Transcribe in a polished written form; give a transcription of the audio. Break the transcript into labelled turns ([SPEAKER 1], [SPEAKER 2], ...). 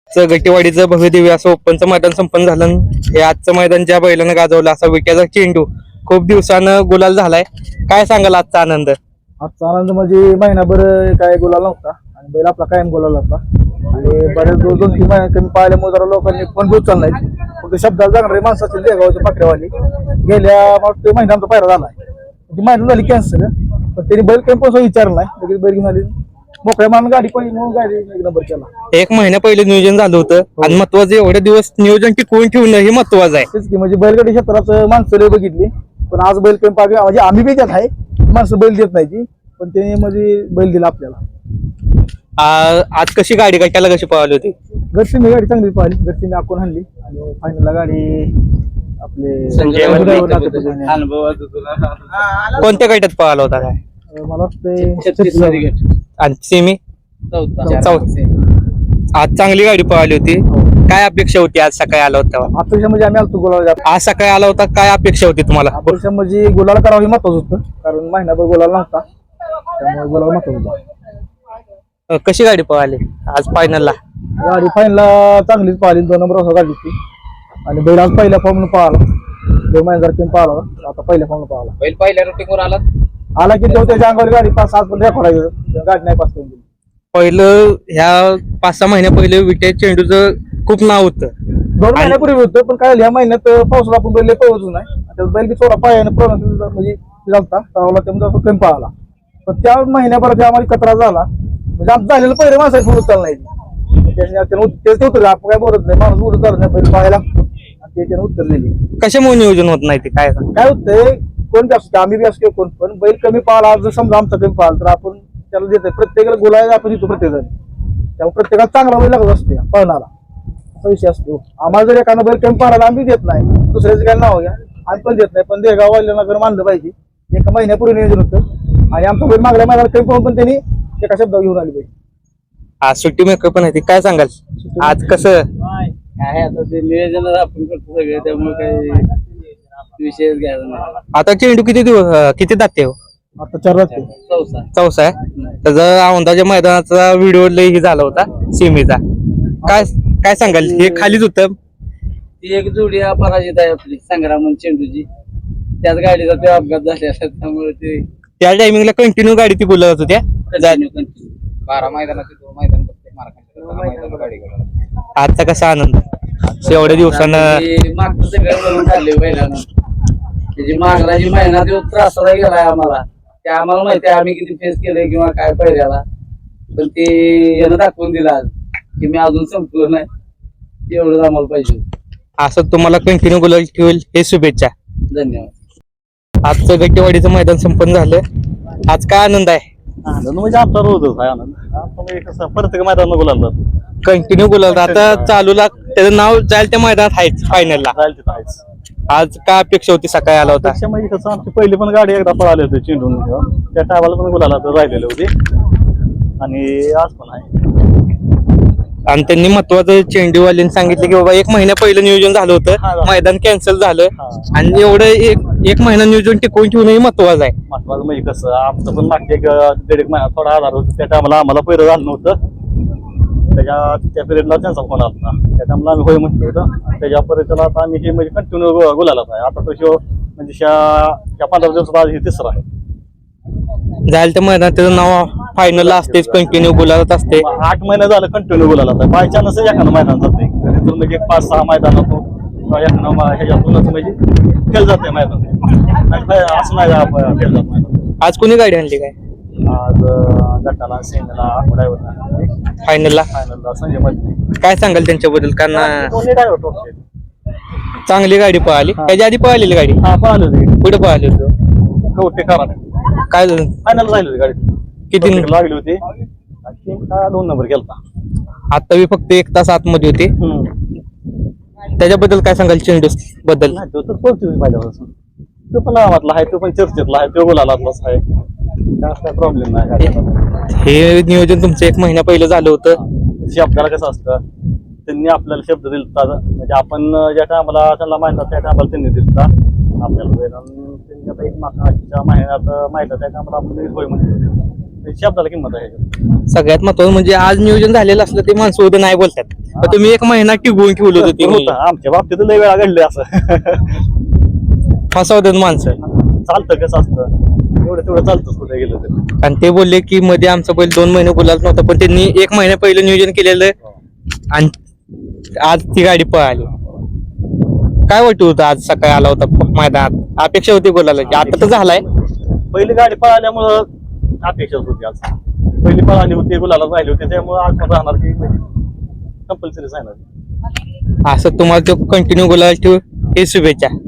[SPEAKER 1] गट्टीवाडीचं भव्य दिव्य असं ओपनचं मैदान संपन्न झालं. हे आजचं मैदान ज्या बैलानं गाजवलं असा विट्याचा चेंडू खूप दिवसानं गुलाल झालाय. काय सांगाल आजचा आनंद?
[SPEAKER 2] आजचा आनंद म्हणजे महिनाभर काय गुलाल नव्हता आणि बैल आपला कायम गुलाल होता आणि बरेच 2-3 महिने कमी पाहिल्यामुळे जरा लोकांनी फोन घेऊन चाललाय. फक्त शब्दाला जाणारे माणसं असतील देगावचे पाकड्यावाली गेल्या मागच्या महिन्याचा पायरा झालाय. ती महिना झाली कॅन्सल, पण त्यांनी बैल काही पण विचारला नाही. लगेच बैल घेऊन आली मोकळ्या मान गाडी पडली म्हणून गाडी एक नंबर केला.
[SPEAKER 1] 1 महिना पहिले नियोजन झालं होतं आणि महत्वाचं एवढे दिवस नियोजन टिकवून ठेवणं हे महत्वाचं आहे.
[SPEAKER 2] तेच की म्हणजे बैलगाडी क्षेत्राचं माणसं लय बघितली, पण आज बैल काही पाहिजे म्हणजे आम्ही बी त्यात आहे. माणसं बैल देत नाही ती, पण त्याने म्हणजे बैल दिला आपल्याला.
[SPEAKER 1] आज कशी गाडी कशाला कशी पळाली होती?
[SPEAKER 2] घरची गाडी चांगली पाहिली, घरची आखून आणली आणि फायनलला गाडी आपले
[SPEAKER 1] कोणत्या गटात पळाला होता काय?
[SPEAKER 2] मला वाटतं
[SPEAKER 1] आणि सेमी आज चांगली गाडी पळाली होती. काय अपेक्षा होती आज सकाळी आला होता?
[SPEAKER 2] अपेक्षा म्हणजे आम्ही आलतो गुलाल.
[SPEAKER 1] आज सकाळी आला होता, काय अपेक्षा होती तुम्हाला?
[SPEAKER 2] अपेक्षा म्हणजे गुलाल करावं हे महत्वाचं होतं, कारण महिनाभर गुलाल नव्हता त्यामुळे गुलाल महत्वाचं होतं.
[SPEAKER 1] कशी गाडी पळाली आज फायनलला?
[SPEAKER 2] गाडी फायनलला चांगलीच पळाली, 2 नंबर वाजता गाडी होती आणि बैल आज पहिल्या फॉर्मनं पळाला. 2 महिन्यासारखी पळाला, आता पहिल्या फॉर्मनं पळाला.
[SPEAKER 3] बैल पहिल्या रुटीनवर आला
[SPEAKER 2] की तो त्याच्या अंगावर गाडी 5-7 पण रेकॉर्ड आहे, गाडी नाही पास करून दिली.
[SPEAKER 1] पहिलं ह्या 5-6 महिन्या पहिले विट्या चेंडूचं खूप नाव होतं.
[SPEAKER 2] 2 महिन्यापूर्वी होतं, पण काय ह्या महिन्यात पावसाला आपण बैल पळवतच नाही. त्यात बैल बी थोडा पायाने प्रॉब्लेम म्हणजे झालता त्यावेळेला, त्यामुळे कमी पळाला. पण त्या महिन्याभरात आम्हाला कचरा झाला, म्हणजे आमचं झालेलं पहिले माणसाला पुढे चाललं नाही. तेच उतर आपण काय बोलत नाही, माणूस उडत चालत नाही, पहिले पाहायला आणि त्याच्यानं उतरलेली.
[SPEAKER 1] कशामुळे नियोजन होत नाही ते काय?
[SPEAKER 2] काय होतंय, कोण बी असतो, आम्ही बी असतो कोण पण, बैल कमी पाहिला जर समजा आमचा कमी पाहिला तर आपण त्याला देतोय. प्रत्येकाला गुलाल आपण देतो प्रत्येक जण, त्यामुळे प्रत्येकाला चांगला बैल लागत असते पळणारा, असा विषय असतो. आम्हाला जर एखादा बैल कमी पाहिला आम्ही देत नाही, दुसऱ्याचं काय नाव घ्या आम्ही पण देत नाही. पण देगाव वाल्याला मानलं पाहिजे. 1 महिन्यापूर्वी नियोजन होतं आणि आमचा बैल मागल्या महिन्याला कमी पाहून पण त्यांनी एका शब्दावर घेऊन आली पाहिजे.
[SPEAKER 1] आज सुट्टी मेकअप पण आहे, काय सांगाल आज कसं
[SPEAKER 3] काय आता ते नियोजन आपण करतो सगळे, त्यामुळे काही विषयच घ्यायला नाही.
[SPEAKER 1] आता चेंडू किती दाते हो?
[SPEAKER 2] आता 4 वाजते.
[SPEAKER 1] चौसा आहे. त्याचा औंधाच्या मैदानाचा व्हिडिओ लई झाला होता सीमेचा. काय सांगाल? हे खालीच होतं.
[SPEAKER 3] ती एक जोडी पराजित आहे आपली संग्राम चेंडूची, त्याच गाडीचा ते अपघात झाले, त्यामुळे ते
[SPEAKER 1] त्या टायमिंगला कंटिन्यू गाडी ती बोलत होत्या.
[SPEAKER 3] 12 मैदानाचे 2 मैदान गाडी.
[SPEAKER 1] आजचा कसा आनंद एवढ्या दिवसानं
[SPEAKER 3] मागचं सगळं करून चालले बैलानं. त्याची मागला जी महिना तो त्रासाला गेलाय आम्हाला, ते आम्हाला माहिती आहे आम्ही किती फेस केलंय किंवा काय पहिल्याला, पण ते यानं दाखवून दिलं आज की मी अजून संपलो नाही, एवढंच आम्हाला पाहिजे.
[SPEAKER 1] असं तुम्हाला कंटिन्यू गुलाल ठेवेल हे शुभेच्छा.
[SPEAKER 3] धन्यवाद.
[SPEAKER 1] आजचं गट्टेवाडीचं मैदान संपन्न झालं. आज काय आनंद आहे?
[SPEAKER 2] आनंद म्हणजे आपला रोजच आहे आनंद. कसं प्रत्येक मैदान गुलाल
[SPEAKER 1] कंटिन्यू गुलाल. आता चालूला त्याचं नाव जाईल त्या मैदानात आहेच फायनलला. आज काय अपेक्षा होती सकाळी आला होता?
[SPEAKER 2] म्हणजे कसं आमची पहिली पण गाडी एकदा पळाली होती चेंडून, त्या टायमाला पण गुलाला राहिलेले होते आणि आज पण आहे.
[SPEAKER 1] आणि त्यांनी महत्वाचं चेंडूवाल्यांनी सांगितलं की बाबा 1 महिन्या पहिलं नियोजन झालं होतं, मैदान कॅन्सल झालं आणि एवढं एक महिना नियोजन टिकवून ठेवणं महत्वाचं आहे.
[SPEAKER 2] महत्वाचं म्हणजे कसं आमचं पण मागचे 1.5 महिना थोडा आधार होता, त्या टायमाला आम्हाला पहिलं झालं नव्हतं. त्या पिरियडला त्यांचा फोन आला, त्या टायमाला आम्ही होय म्हटलं होतं. त्याच्या पर्यंत आता आम्ही हे म्हणजे कंटिन्यू गुलालाच आहे. आता तो म्हणजे 15 दिवसात आज हे 3रा आहे.
[SPEAKER 1] जायला त्या मैदानात त्याचं नाव फायनलला असतेच, कंटिन्यू गुलालात असते.
[SPEAKER 2] 8 महिने झालं कंटिन्यू गुलालात आहे. बाय चान्स एखादं मैदान जाते, म्हणजे 5-6 मैदानातून ह्याच्यातूनच म्हणजे खेळ जाते मैदान, असं नाही खेळ जात मैदान.
[SPEAKER 1] आज कोणी गाडी आणली काय?
[SPEAKER 2] आज गटाला सेमीला
[SPEAKER 1] फायनलला
[SPEAKER 2] संजय मध्ये.
[SPEAKER 1] काय सांगाल त्यांच्याबद्दल? कारण
[SPEAKER 2] दोन्ही ड्रायव्हर टॉपचे,
[SPEAKER 1] चांगली गाडी पळाली. त्याच्या आधी पळालेली गाडी
[SPEAKER 2] पळाली होती.
[SPEAKER 1] कुठे पळाली होती?
[SPEAKER 2] कवटे करा
[SPEAKER 1] काय झालं?
[SPEAKER 2] फायनल राहिली होती गाडी.
[SPEAKER 1] किती
[SPEAKER 2] लागली होती? 2 नंबर गेलता.
[SPEAKER 1] आता मी फक्त 1 तास आतमध्ये होते. त्याच्याबद्दल काय सांगाल? चेंडू बद्दल
[SPEAKER 2] तो तर पोहोचतो पहिल्यापासून, तो पण नावातला आहे, तो पण चर्चेतला आहे, तो गुलालातलाच आहे, काय प्रॉब्लेम नाही.
[SPEAKER 1] हे नियोजन तुमचं 1 महिना पहिलं झालं होतं.
[SPEAKER 2] आपल्याला कसं असतं, त्यांनी आपल्याला शब्द दिलता, म्हणजे आपण ज्या टायमाला त्यांना माहिती त्या टायमाला त्यांनी दिलता आपल्याला. त्यांनी आता 1 मागच्या महिन्यात माहिती त्या टायमाला आपण होय म्हणजे
[SPEAKER 4] शब्दाला किंमत आहे.
[SPEAKER 1] सगळ्यात महत्वाचं म्हणजे आज नियोजन झालेलं असलं ते माणसं उद्या नाही बोलतात पण तुम्ही एक महिना टिकवून ठेवलं होतं ते
[SPEAKER 4] होतं. आमच्या बाबतीत लय वेळा घडलं असं.
[SPEAKER 1] फसवतात माणसं
[SPEAKER 4] चालतं कसं असतं एवढं तेवढं चालतंच कुठे गेलं तरी.
[SPEAKER 1] आणि ते बोलले की मध्ये आमचा बैल 2 महिने गुलाल नव्हता पण त्यांनी 1 महिन्या पहिलं नियोजन केलेलं आणि आज ती गाडी पळाली. काय वाटत होतं आज सकाळी आला होता मैदानात अपेक्षा होती बोलायला आता तर झालाय
[SPEAKER 4] पहिली गाडी पळाल्यामुळं अपेक्षा होती आज. पहिली पळाली होती गुलाला राहिली होती त्यामुळे आज पण राहणार की कंपल्सरी राहणार.
[SPEAKER 1] असं तुम्हाला तो कंटिन्यू गुलाल ठेवू हे शुभेच्छा.